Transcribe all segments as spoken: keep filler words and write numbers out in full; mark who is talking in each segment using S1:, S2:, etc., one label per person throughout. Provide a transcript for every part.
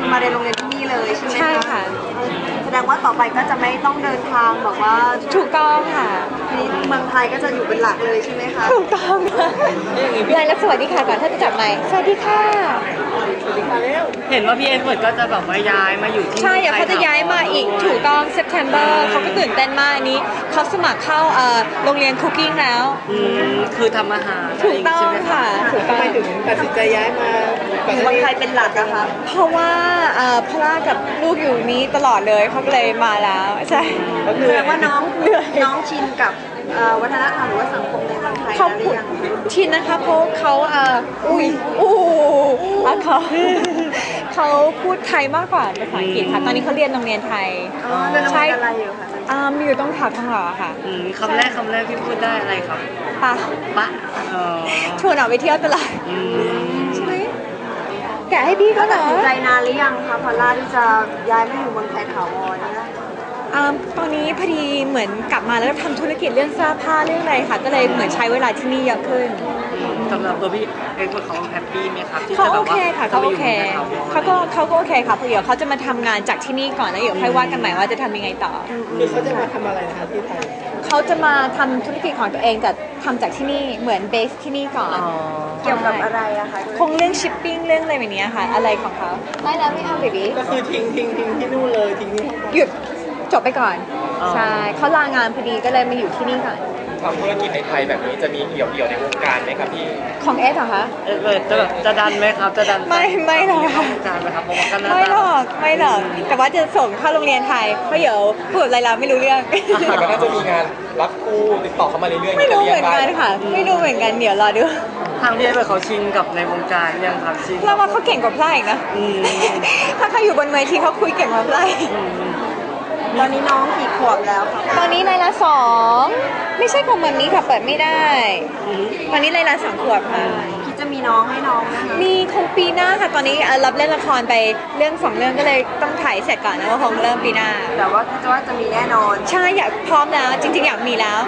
S1: มาเรียนโรงเรียนที่นี่เลยใช่ไหมคะ
S2: ใช่ค่ะ
S1: แสดงว่าต่อไปก็จะไม่ต้องเดินทางแบบว่า
S2: ถูกต้องค่ะ
S1: นี่เมืองไทยก็จะอยู่เป็นหลักเลยใช่ไหมคะ
S2: ถูกต้องค่ะยายแล้วสวัสดีค่ะก่อนถ้าจะจับไมค์สวัสดีค่ะ
S3: เห็นว่าพี่เอ็ดเวิร์ดก็จะแบบว่าย้ายมาอยู่ที่
S2: ใช่เดี๋ยวเขาจะย้ายมาอีกถูกต้อง September เขาก็ตื่นเต้นมากอันนี้เขาสมัครเข้าเอ่อโรงเรียนคุกกิ้งแล้ว
S3: อืมคือทำอาหาร
S2: ถูกต้องค่ะถูกต้อง
S4: ถึงตัดสินใจย้ายมา
S1: อยู่เมืองไทยเป็นหลักอะคะ
S2: เพราะว่าเอ่อพ่อกับลูกอยู่นี้ตลอดเลยเขาก็เลยมาแล้วใช่
S1: แสดงว่าน้องน้องชินกับวัฒนธรรมหรือว่าสังคมในเมืองไทย
S2: เขาพูดชินนะคะเพราะเขาเอ่ออุ้ยอู้อ่ะเขาเขาพูดไทยมากกว่าภาษาอังกฤษค่ะตอนนี้เขาเรียนโรงเรียนไทย
S1: ใช่อะไรอยู่คะ
S2: อ่ามีอยู่ต้องถามทองหล่อค่ะ
S3: คำแรกคำแรกที่พูดได้อะไรครับ
S2: ปะ
S3: ปะ
S2: ชวนออกไปเที่ยวตลอดใช่ไหมแกให้พี่ก็
S1: ตัดสินใจนานหรือยังคะพอลล่าที่จะย้ายมาอยู่เมืองไทยถาวรเนี่ย
S2: ตอนนี้พอดีเหมือนกลับมาแล้วทำธุรกิจเรื่องเสื้อผ้าเรื่องอะไรค่ะก็เลยเหมือนใช้เวลาที่นี่เยอะขึ้น
S3: สำหรับตัวพี่เอ็กซ์เขาแฮปปี้ไหมครับที่
S2: เขาโอเคค่ะเขาโอเคเขาก็เขาก็โอเคค่ะเพราะเดี๋ยวเขาจะมาทำงานจากที่นี่ก่อนแล้วเดี๋ยวค่อยว่ากันใหม่ว่าจะทำยังไงต่อ
S4: คือเขาจะมาทำอะไรนะคะที่ไทย
S2: เขาจะมาทำธุรกิจของตัวเองแต่ทำจากที่นี่เหมือนเบสที่นี่ก่อน
S1: เกี่ยวกับอะไรอะคะ
S2: คงเรื่องชิปปิ้งเรื่องอะไรแบบนี้ค่ะอะไรของเขาไม่แล้วไม่เอาเบบี้
S4: ก็คือทิ้งทิ้งทิ้งที่นู่นเลยทิ้งที่
S2: หยุดจบไปก่อนใช่เขาลางานพอดีก็เลยมาอยู่ที่นี่ก่อน
S4: ทำธุรกิจในไทยแบบนี้จะมีเกี่ยวเกี่ยวในวงการไหมครับพี่
S2: ของเอสเหรอคะ
S3: เอสจะแบบจะดันไหมครับจะดัน
S2: ไม่ไม่หรอกค่ะไม่หรอกไม่หรอกแต่ว่าจะส่งเข้าโรงเรียนไทยเพราะเดี๋ยวพูดอะไรเราไม่รู้เรื่อง
S4: แต่ก็น่าจะมีงานรับคู่ติดต่อเข้ามาเรื่อยๆ
S2: ไม่รู้เหมือนกันค่ะไม่รู้เหมือนกันเดี๋ยวรอดู
S3: ทางพี่เอเขาชินกับในวงการยังครับชิน
S2: เราว่าเขาเก่งกว่าพลาอีกนะถ้าเขาอยู่บนเวทีเขาคุยเก่งกว่าพลา
S1: ตอนนี้น้องกี่ขวบแล้วคะ
S2: ตอนนี้ไลลาสองไม่ใช่ของแบบนี้ค่ะเปิดไม่ได้ตอนนี้ไลลาสองขวบค่ะ
S1: คิดจะมีน้องให้น้องนะคะ
S2: มีคงปีหน้าค่ะตอนนี้รับเล่นละครไปเรื่องสองเรื่องก็เลยต้องถ่ายเสร็จก่อนนะว่าคงเริ่มปีหน้า
S1: แต่ว่าจะว่าจะมีแน่นอน
S2: ใช่อยากพร้อมแล้วจริงๆอยากมีแล้ว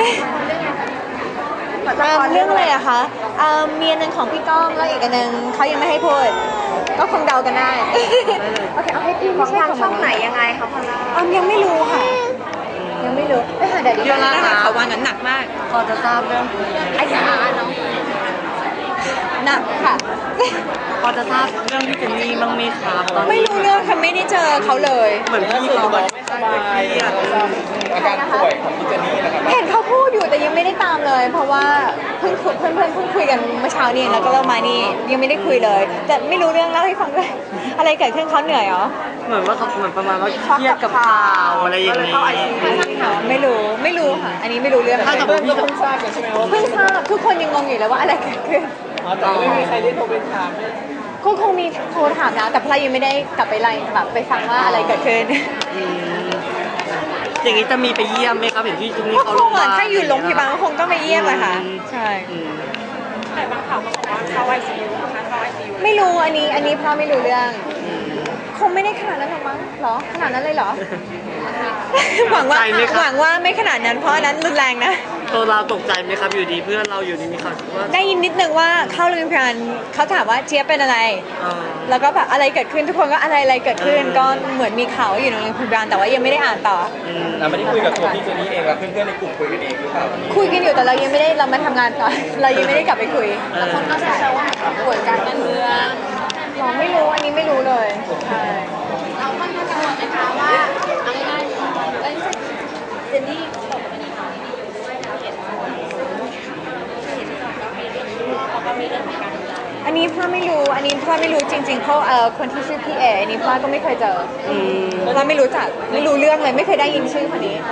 S2: เรื่องอะไรอะคะมีอันนึงของพี่ก้องแล้วอีกอันนึงเขายังไม่ให้พูดก็คงเดากันได้โอเคเอาให้พี่
S1: ของทางช่องไหนยังไงคะพอลล่า
S2: ยังไม่รู้ค่ะยังไม่รู้ไปหาเดี๋ยวดีนะคะเขาวันนั้นหนักมาก
S3: พอจะทราบเรื่อง
S2: ไอ้สาเนาะหนักค่ะ
S3: พอจะทราบเรื่องที่เจนนี่บ้างไหมครับ
S2: ไม่รู้เรื่องค่ะไม่ได้เจอเขาเลย
S3: เหมือนพี่เขาแบบไม่สบาย
S4: อาการป่วยของพี่เจนนี่นะครับ
S2: เห็นเขาพูดอยู่แต่ยังไม่ได้ตามเลยเพราะว่าเพิ่งเพื่อนเพื่อนเพิ่งคุยกันเมื่อเช้านี้แล้วก็เรามานี่ยังไม่ได้คุยเลยแต่ไม่รู้เรื่องเล่าให้ฟังด้วยอะไรเกิดขึ้นเขาเหนื่อยเหรอ
S3: เหมือนว่าเขาเหมือนประมาณว่าเครียดกับข่าวอะไรอย่างนี้
S2: ไม่รู้ไม่รู้ค่ะอันนี้ไม่รู้เรื่อง
S4: ถ้าสมมติพี่เพิ่งทราบใช่ไหมว่า
S2: เพิ่งทราบทุกคนยังงงอยู่เลยว่าอะไรเกิดขึ้น
S4: แต่ไม่มีใครได้โทรไปถาม
S2: ก็คงมีโทรถามนะแต่พลายยังไม่ได้กลับไปไล่แบบไปฟังว่าอะไรเกิดขึ้น
S3: อย่างนี้จะมีไปเยี่ยมไหมครับเห็นที่จุ๊นี่เขา
S2: ลงมาถ้าอยู่โรงพยาบาลก็คงต้องไปเยี่ยมอะค่ะใช่
S1: แต่บางข่าวก็บอกว่าเข้าไอซียูนะคะเข้าไอซียู
S2: ไม่รู้อันนี้อันนี้พ่อไม่รู้เรื่องคงไม่ได้ขนาดนั้นหรอกมั้งหรอขนาดนั้นเลยเหรอหวังว่าหวังว่าไม่ขนาดนั้นเพราะนั้นรุนแรงนะ
S3: ตัวเราตกใจไหมครับอยู่ดีเพื่อนเราอยู่ดีมีข่าวว่า
S2: ได้ยินนิดนึงว่าเข้าโรงพยาบาลเขาถามว่าเจี๊ยบเป็นอะไรแล้วก็แบบอะไรเกิดขึ้นทุกคนก็อะไรอะไรเกิดขึ้นก็เหมือนมีข่าวอยู่ในโรงพยาบาลแต่ว่ายังไม่ได้อ่านต่อ
S4: เราไม่ได้คุยกับตัวพี่เจนนี่เองแล้วเพื่อนๆในกลุ่มคุยกันเองหรือเปล่า
S2: คุยกันอยู่แต่เรายังไม่ได้เรามาทำงานก่อนเรายังไม่ได้กลับไปคุย
S1: แล้วคนก็แซวว่าป่วยการเมือง
S2: เราไม่รู้อันนี้ไม่รู้เลยใช่
S1: เราค่อนข้างกังวลนะคะว่าเอาง่ายๆเจนนี่เขาบอกว่ามีข่าวดีอยู่ด้วยนะเห็นเขาก็มีเรื่องของการ
S2: อันนี้พ่อไม่รู้อันนี้พ่อไม่รู้จริงๆเพราะเอ่อคนที่ชื่อพี่เออันนี้พ่อก็ไม่เคยเจอพ่อไม่รู้จักไม่รู้เรื่องเลยไม่เคยได้ยินชื่อคนนี้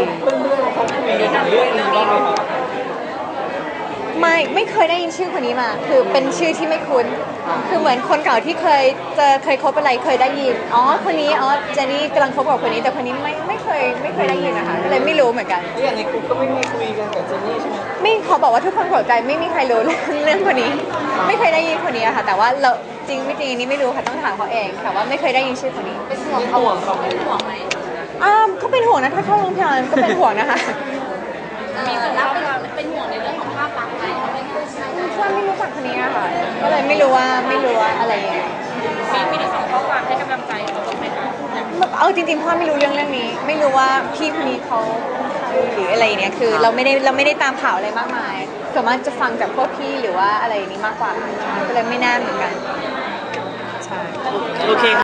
S2: ไม่ไม่เคยได้ยินชื่อคนนี้มาคือเป็นชื่อที่ไม่คุ้นคือเหมือนคนเก่าที่เคยเจอเคยคบอะไรเคยได้ยินอ๋อคนนี้อ๋อเจนนี่กำลังคบกับคนนี้แต่คนนี้ไม่ไม่เคยไม่เคยได้ยินนะคะก็เลยไม่รู้เหมือนกัน
S4: อย่างในกลุ่มก็ไม่มีคุยกันกับเจนนี่ใช่ไหม
S2: ไม่ขอบอกว่าทุกคนเข้าใจไม่มีใครรู้เรื่องคนนี้ไม่เคยได้ยินคนนี้ค่ะแต่ว่าเราจริงไม่จริงอันนี้ไม่รู้ค่ะต้องถามเขาเองแต่ว่าไม่เคยได้ยินชื่อคนนี้
S1: เป็นห่วงเขาเป็นห่วงไหม
S2: อ่าเขาเป็นห่วงนะถ้าเข้าโรงพยาบาลก็เป็นห่วงนะคะ
S1: มีคนรับเป็นห่วงในเรื่องของภาพลักษณ์ไหมเขาไม่พูดใช่ไหม
S2: เพื่อนไม่รู้จักคนนี้ค่ะก็เลยไม่รู้ว่าไม่รู้ว่าอะไรยังไง
S1: มีมีได้ส่งข้อความให้กำลังใจเขาบ้างไหมคะ
S2: เอาจริงๆพ่อไม่รู้เรื่องเรื่องนี้ ไม่รู้ว่าพี่คนนี้เขาใครหรืออะไรเนี่ยคือเราไม่ได้เราไม่ได้ตามข่าวอะไรมากมายส่วนมากจะฟังจากพวกพี่หรือว่าอะไรนี้มากกว่าก็เลยไม่แน่เหมือนกันใช่
S3: โอเค